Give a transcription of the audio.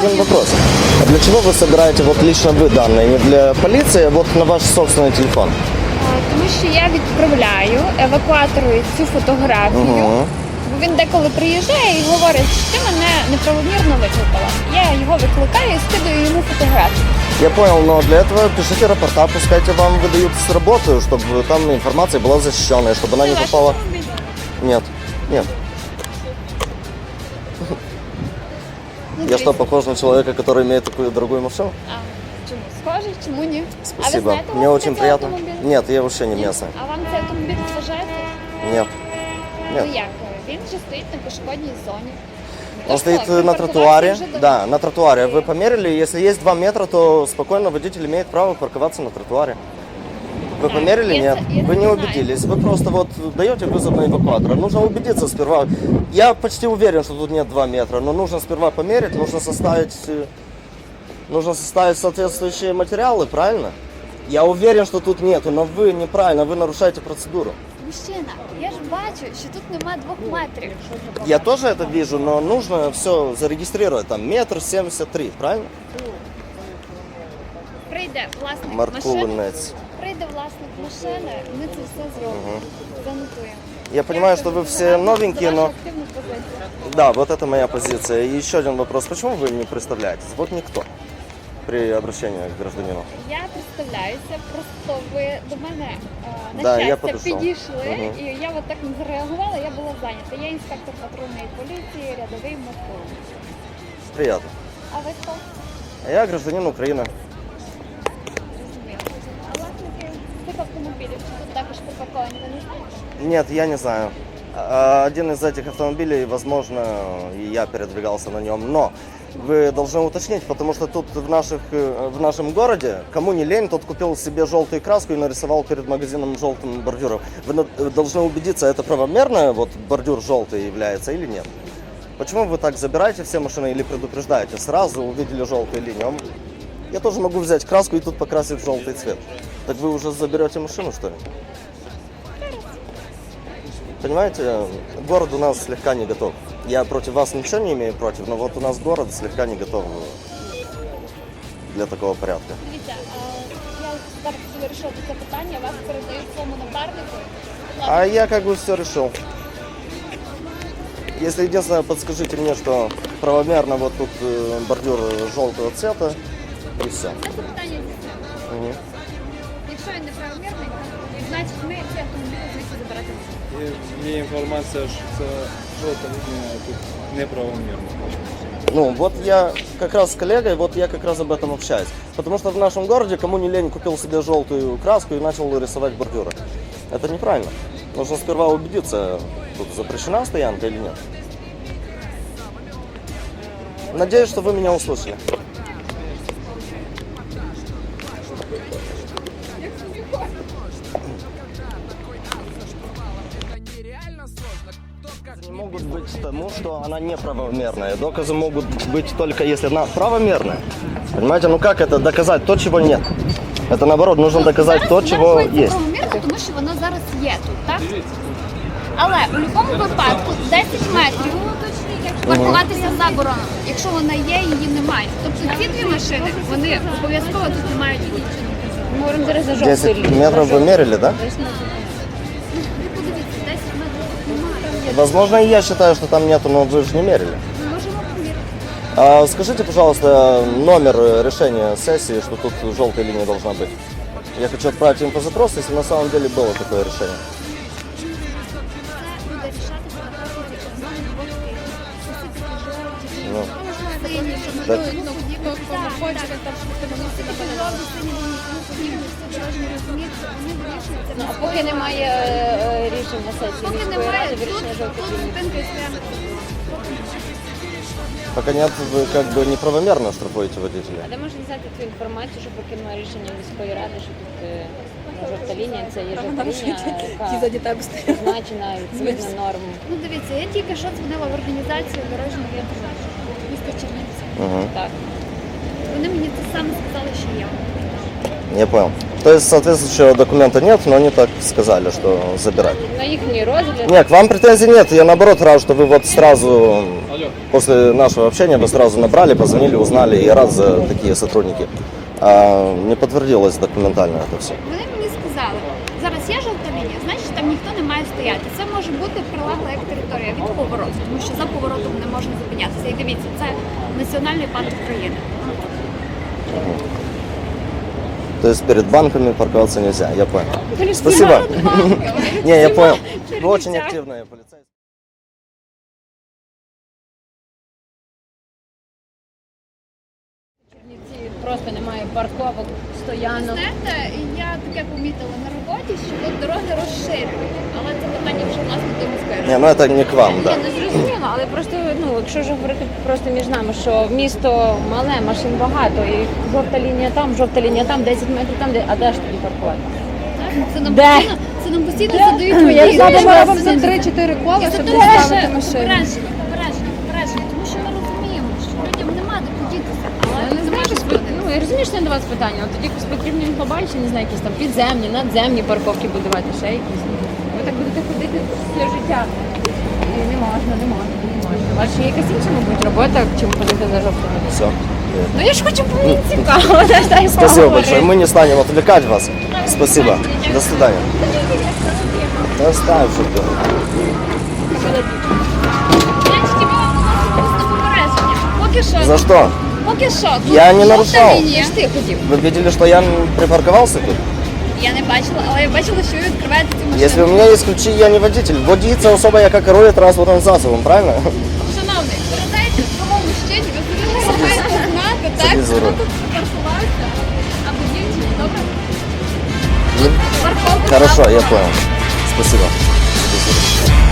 один вопрос. А для чего вы собираете вот лично вы данные? Не для полиции, а вот на ваш собственный телефон? Тому що я відправляю евакуатору цю фотографію, бо він деколи приїжджає і говорить, що ти мене неправомірно викликала. Я його викликаю і скидаю йому фотографію. Я понял, но для этого пишите рапорта, пускайте вам выдают с работы, чтобы там информация была защищенная, чтобы она не попала... Нет, нет. Я что, похож на человека, который имеет такую дорогую машину? Чому? Схожий, чому ні? А ви Спасибо. знаєте, Мне очень цей приятно. автомобіль? Нет, я вообще не местный. А вам цей автомобіль зважаєте? Нет. Ну Нет. як? Він вже стоїть на пішохідній зоні. Он Тож стоит так, на припаркувався тротуаре. вже давно. Да, на тротуаре. Вы померили, если есть 2 метра, то спокойно водитель имеет право парковаться на тротуаре. Вы померили? я Нет. це- я Вы це не знаю. убедились. Вы просто вот даете вызов на эвакуатор. Нужно убедиться сперва. Я почти уверен, что тут нет 2 метра, но нужно сперва померить, нужно составить соответствующие материалы, правильно? Я уверен, что тут нету, но вы неправильно, вы нарушаете процедуру. Мужчина, я ж бачу, що тут нема 2 метрів. Я тоже это вижу, но нужно все зарегистрировать. Там 1,73 м, правильно? Прийде власник машини, Маркулинец. прийде власник машини, ми це все зробимо. Занотуємо. Я понимаю, что вы все новенькие, За но... вашу активну позицію. Да, вот это моя позиция. И еще один вопрос. Почему вы не представляетесь? Вот никто при обращении к гражданину. Я представляюся, просто ви до мене на Да, я щастя подійшов. підійшли, Мгм. і я от так не зареагувала, я була зайнята. Я інспектор патрульної поліції, рядовий Микола. Приятно. А ви хто? А я гражданин Украины. Зрозуміло. А власники цих автомобілів, що тут також припарковані, ви не знаєте? Нет, я не знаю. Один из этих автомобилей, возможно, и я передвигался на нем, но вы должны уточнить, потому что тут в нашем городе, кому не лень, тот купил себе желтую краску и нарисовал перед магазином желтым бордюром. Вы должны убедиться, это правомерно, вот бордюр желтый является или нет. Почему вы так забираете все машины или предупреждаете? Сразу увидели желтую линию. Я тоже могу взять краску и тут покрасить в желтый цвет. Так вы уже заберете машину, что ли? Понимаете, город у нас слегка не готов. Я против вас ничего не имею против, но вот у нас город слегка не готов для такого порядка. Дивіться, я зараз хотіла вирішити це питання, вас передають своєму напарнику. А я как бы все решил. Если единственное, подскажите мне, что правомерно вот тут бордюр желтого цвета и все. Це питання здійснено. Якщо він неправомірний, значить ми цей автомобіль звідси забирати не будемо. Є інформація, що це жовта лінія тут неправомірна. Ну, вот я как раз с коллегой, вот я как раз об этом общаюсь. Потому что в нашем городе, кому не лень, купил себе желтую краску и начал рисовать бордюры. Это неправильно. Нужно сперва убедиться, тут запрещена стоянка или нет. Надеюсь, что вы меня услышали. Не могут быть тому, что она неправомерная. Доказы могут быть только если она правомерная. Понимаете, ну как это доказать то, чего нет? Это наоборот, нужно доказать то, чего Зараз есть. правомірно, тому що воно зараз є тут, так? Але у будь-якому випадку 10 метрів паркуватися заборонено. Якщо вона є, її немає. Тобто ці 2 машини, вони обов'язково тут не мають бути. Ми говоримо зараз за 10 метров вы мерили, да? Ви подивіться, 10 метрів тут немає. Возможно, и я считаю, что там нету, но вы же не мерили. Ми можемо поміряти. А скажите, пожалуйста, номер решения сессии, что тут желтая линия должна быть. Я хочу отправить инфозапрос, если на самом деле было такое решение. Це буде рішатися на протязі одного двох тижнів. Усі такі жовті, Ну. сині, щоб Так. ми ну, хочете, там, щоб вони всі такі жовті, сині, тому подібні, всі дорожні розуміти, вони вирішуються. А поки немає рішень на сесії Поки міської немає, ради, тут вирішення жовтих ліній. зупинка і стоянка. Пока нет, вы как бы неправомерно штрафуете водителя. А де можна взяти цю інформацію, що поки немає рішення міської ради, що тут жовта лінія, це є жовта лінія, яка позначена відповідно норм. Ну дивіться, я тільки що дзвонила в організацію дорожнього інтернету міста Чернівці. Так. Вони мені те саме сказали, що є. Я понял. То есть соответствующего документа нет, но они так сказали, что забирать. На їхній розгляд. Нет, к вам претензий нет. Я наоборот рад, что вы вот сразу После нашего общения мы сразу набрали, позвонили, узнали, и рад за такие сотрудники. А не подтвердилось документально это все. Вони мені сказали, зараз є жовта лінія, значить там ніхто не має стояти. Це може бути прилегла як територія від повороту, тому що за поворотом не можна зупинятися. І дивіться, це національний парк України. То есть перед банками парковаться нельзя, я понял. Спасибо. Не, я понял. Вы очень активные полицейские. Чернівці просто немає парковок, стоянок. Знаєте, я таке помітила на роботі, що от дороги розширюють, але це питання вже власне до міської ради. Не, ну это не к вам, да. Я не зрозуміла, але просто, ну, якщо ж говорити просто між нами, що місто мале, машин багато, і жовта лінія там, 10 метрів там, а де ж тоді паркувати? Це нам Де? постійно, це нам постійно задають Я водії. задумала Це вам за не- 3-4 кола, І щоб це доставити машину. попередження, тому що ми розуміємо, що людям нема де подітися, але Я не це знаю, може що бути. ну, я розумію, що це до вас питання, але тоді потрібно глобальні, не знаю, якісь там підземні, надземні парковки будувати, ще якісь. Ви так будете ходити все життя. І не можна. У вас ще є якась інша, мабуть, робота, чим ходити за жовтими. Все. Ну я ж хочу, мені цікаво. дай Спасибо поговорити. большое. Мы не станем отвлекать вас. Спасибо. До свидания. Да оставь, что ты. Значить, ми вам вносимо попередження. Поки що. За что? Поки що. Тут Я не жовта нарушав. лінія. Ти хотів. Вы видели, что я припарковался тут? Я не бачила, але я бачила, що ви відкриваєте цю машину. Если у меня есть ключи, я не водитель. Водиться особо я как рулит транспортным засобом, правильно? Шановний, передайте тому мужчині, ви маєте знати, так? Сиди за руль. Хто тут припаркувався? Або дівчині, добре? Ну, Парковка Хорошо, я направо. понял. Спасибо.